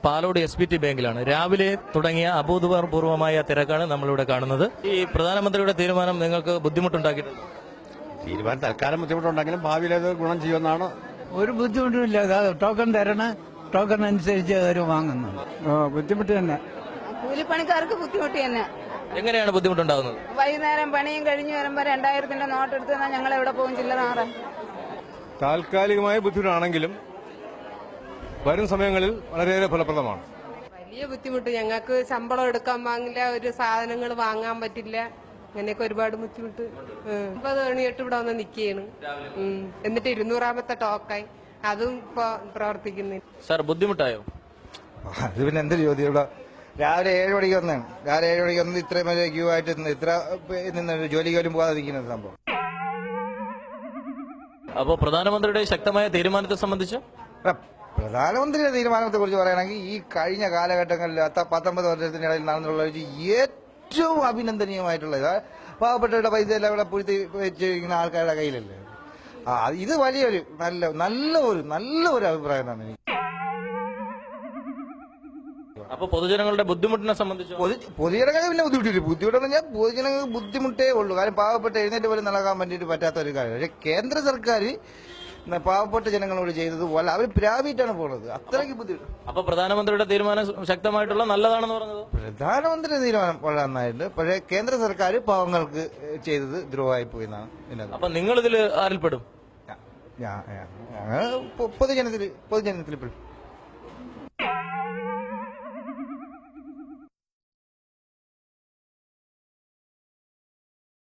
Palode SBT ബാങ്കിലാണ്. രാവിലെ തുടങ്ങിയ അഭൂതപൂർവമായ തിരക്കാണ് നമ്മളിവിടെ കാണുന്നത്. ഈ പ്രധാനമന്ത്രിയുടെ തീരുമാനം നിങ്ങൾക്ക് ബുദ്ധിമുട്ടുണ്ടാക്കിയിട്ടുണ്ട്? തീരുമാനം തൽക്കാലം ബുദ്ധിമുട്ടുണ്ടെങ്കിലും ഭാവിയിൽ അത് ഗുണം ചെയ്യുമെന്നാണ്. ഒരു ബുദ്ധിമുട്ടുമില്ല. ടോക്കൺ തരണം, ടോക്കൺ അനുസരിച്ച് അവർ വാങ്ങുന്നു. ബുദ്ധിമുട്ട് തന്നെ, കൂലിപ്പണിക്കാർക്ക് ബുദ്ധിമുട്ട് തന്നെ. എങ്ങനെയാണ് ബുദ്ധിമുട്ടുണ്ടാകുന്നത്? വൈകുന്നേരം പണിയും കഴിഞ്ഞ് വരുമ്പോ 2000-ന്റെ നോട്ട് എടുത്ത് ഞങ്ങൾ എവിടെ പോകും? ചില്ലറ മാറാൻ. താൽക്കാലികമായ ബുദ്ധിമുട്ടാണെങ്കിലും വരും സമയങ്ങളിൽ വളരെയേറെ ഫലപ്രദമാണ്. വലിയ ബുദ്ധിമുട്ട്. ഞങ്ങൾക്ക് ശമ്പളം എടുക്കാൻ വാങ്ങില്ല, ഒരു സാധനങ്ങൾ വാങ്ങാൻ പറ്റില്ല, അങ്ങനെയൊക്കെ ഒരുപാട് ബുദ്ധിമുട്ട്. 9 മണിയിട്ട് ഇവിടെ വന്ന് നിൽക്കുകയാണ്. എന്നിട്ട് 200-ാമത്തെ ടോക്കായി, അതും ഇപ്പൊ പ്രവർത്തിക്കുന്നില്ല. സാർ, ബുദ്ധിമുട്ടായോ? അത് പിന്നെ എന്തൊരു ചോദ്യം. ഇവിടെ രാവിലെ 7 മണിക്ക് വന്നാണ്. രാവിലെ 7 മണിക്ക് വന്ന് ഇത്രയും വരെ ക്യൂ ആയിട്ട് ഇത്ര നിന്ന് ജോലിക്ക് പോലും പോകാതെ നിൽക്കുന്നത് സംഭവം. അപ്പോൾ പ്രധാനമന്ത്രിയുടെ ശക്തമായ തീരുമാനത്തെ സംബന്ധിച്ച് പ്രധാനമന്ത്രിയുടെ തീരുമാനത്തെ കുറിച്ച് പറയുകയാണെങ്കിൽ ഈ കഴിഞ്ഞ കാലഘട്ടങ്ങളിൽ 19 വർഷത്തിനിടയിൽ നടന്നിട്ടുള്ള ഏറ്റവും അഭിനന്ദനീയമായിട്ടുള്ളത് പാവപ്പെട്ടവരുടെ പൈസ എല്ലാം ഇവിടെ പൂഴ്ത്തി വെച്ചിരിക്കുന്ന ആൾക്കാരുടെ കയ്യിലല്ലേ. ഇത് വലിയൊരു നല്ലൊരു അഭിപ്രായമാണ് എനിക്ക്. അപ്പൊ പൊതുജനങ്ങളുടെ ബുദ്ധിമുട്ടിനെ സംബന്ധിച്ച് പൊതുജനങ്ങൾക്ക് പിന്നെ ബുദ്ധിമുട്ടെന്ന് പറഞ്ഞാൽ പൊതുജനങ്ങൾക്ക് ബുദ്ധിമുട്ടേ ഉള്ളൂ. കാരണം പാവപ്പെട്ട എഴുന്നേറ്റ് പോലും നടക്കാൻ വേണ്ടിയിട്ട് പറ്റാത്ത ഒരു കാര്യം. പക്ഷെ കേന്ദ്ര സർക്കാർ പാവപ്പെട്ട ജനങ്ങളോട് ചെയ്തത് പോലെ അവർ പ്രാപിച്ചാണ് പോകുന്നത്. അത്രയ്ക്ക് ബുദ്ധിമുട്ട്. അപ്പൊ പ്രധാനമന്ത്രിയുടെ തീരുമാനം ശക്തമായിട്ടുള്ള നല്ലതാണെന്ന് പറഞ്ഞത്? പ്രധാനമന്ത്രിയുടെ തീരുമാനം വളരെ നന്നായിട്ട്. പക്ഷേ കേന്ദ്ര സർക്കാർ പാവങ്ങൾക്ക് ചെയ്തത് ദ്രോഹമായി പോയി എന്നാണ്. അപ്പൊ നിങ്ങൾ ഇതിൽ ആരിൽപ്പെടും? പൊതുജനത്തിൽ പെടും.